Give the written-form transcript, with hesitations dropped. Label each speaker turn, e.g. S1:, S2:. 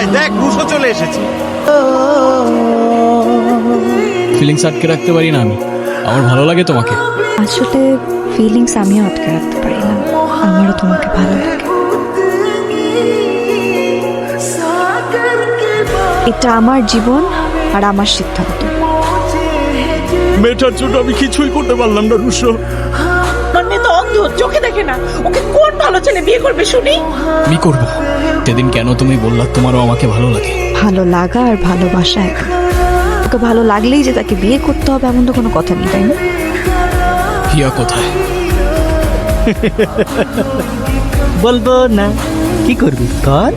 S1: আয় দেখ রুশো চলে এসেছে।
S2: ফিলিংস আটকে রাখতে পারি না আমি, আমার ভালো লাগে তোমাকে।
S3: আসলে ফিলিংস আমিও আটকে রাখতে পারি না, আমারও তোমাকে ভালো লাগে। এটা আমার জীবন আর আমার সিদ্ধান্ত।
S2: মেয়েটার জন্য আমি কিছুই করতে পারলাম না রুশো।
S4: আমার মেয়ে তো অন্ধ, চোখে দেখে না, ওকে কোন ভালো ছেলে বিয়ে করবে শুনি?
S2: আমি করবো। সেদিন কেন তুমি বললা তোমারও আমাকে ভালো লাগে?
S3: ভালো লাগা আর ভালোবাসা এক না। ওকে ভালো লাগলেই যে তাকে বিয়ে করতে হবে এমন তো কোনো কথা নেই, তাই না?
S2: হিয়া কোথায়?
S5: বলবো না, কি করবি কর।